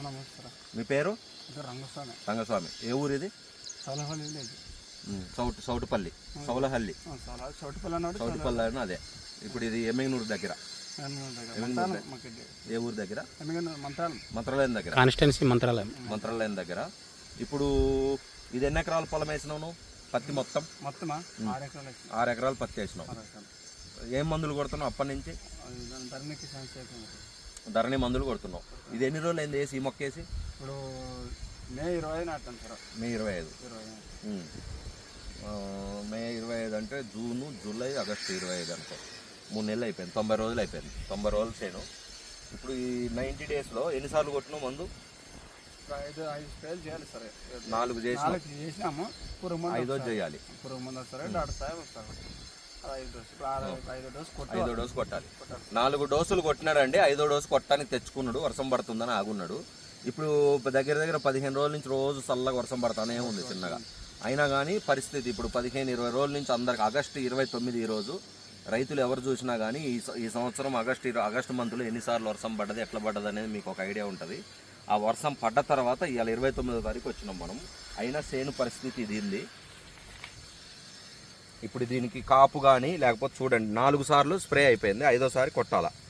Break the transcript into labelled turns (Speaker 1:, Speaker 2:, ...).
Speaker 1: మీ పేరు?
Speaker 2: రంగస్వామి.
Speaker 1: రంగస్వామి. ఏ ఊరు ఇది?
Speaker 2: సౌలహల్లి విలేజ్.
Speaker 1: సౌటుపల్లి. సౌలహల్లి. సౌటుపల్లి అని అదే. ఇప్పుడు ఇది ఎమ్మిగనూరు దగ్గర. ఏ ఊరు దగ్గర? మంత్రాలయం దగ్గర.
Speaker 3: కాన్స్టిట్యున్సీ
Speaker 1: మంత్రాలయం దగ్గర. ఇప్పుడు ఇది ఎన్ని ఎకరాల పొలం వేసినావు నువ్వు? పత్తి మొత్తం 6 ఎకరాలు పత్తి వేసినావు. ఏం మందులు కొడుతున్నావు అప్పటి నుంచి? ధరణి మందులు కొడుతున్నావు. ఇది ఎన్ని రోజులు అయింది వేసి ఈ మొక్క వేసి?
Speaker 2: ఇప్పుడు మే 25 నాటాను సార్.
Speaker 1: మే 25. మే 25 అంటే జూను, జూలై, ఆగస్టు 25 అనుకో. 3 నెలలు అయిపోయింది. 90 రోజులు అయిపోయింది. 90 రోజులు చేయను. ఇప్పుడు ఈ 90 డేస్లో ఎన్నిసార్లు కొట్టినావు మందు?
Speaker 2: 5 స్ప్రేలు చేయాలి సరే.
Speaker 1: 4
Speaker 2: చేసినాము.
Speaker 1: 5 చేయాలి.
Speaker 2: పురుగు మందు సరే డాక్టర్ సాహెబ్ వస్తారు.
Speaker 1: 5వ డోసు కొట్టాలి. 4 డోసులు కొట్టినాడండి. 5వ డోసు కొట్టడానికి తెచ్చుకున్నాడు. వర్షం పడుతుందని ఆగున్నాడు. ఇప్పుడు దగ్గర 15 రోజుల నుంచి రోజు చల్లగా వర్షం పడతానే ఉంది చిన్నగా. అయినా కానీ పరిస్థితి ఇప్పుడు 15-20 రోజుల నుంచి అందరికి ఆగస్టు 29 ఈరోజు రైతులు ఎవరు చూసినా కానీ ఈ సంవత్సరం ఆగస్టు మంత్లో ఎన్నిసార్లు వర్షం పడ్డది, ఎట్లా పడ్డది అనేది మీకు ఒక ఐడియా ఉంటుంది. ఆ వర్షం పడ్డ తర్వాత ఇవాళ 29వ తారీఖు వచ్చినాం మనం. అయినా సేను పరిస్థితి ఇది ఉంది. ఇప్పుడు దీనికి కాపు కానీ లేకపోతే చూడండి 4 సార్లు స్ప్రే అయిపోయింది. 5వ సారి కొట్టాలా.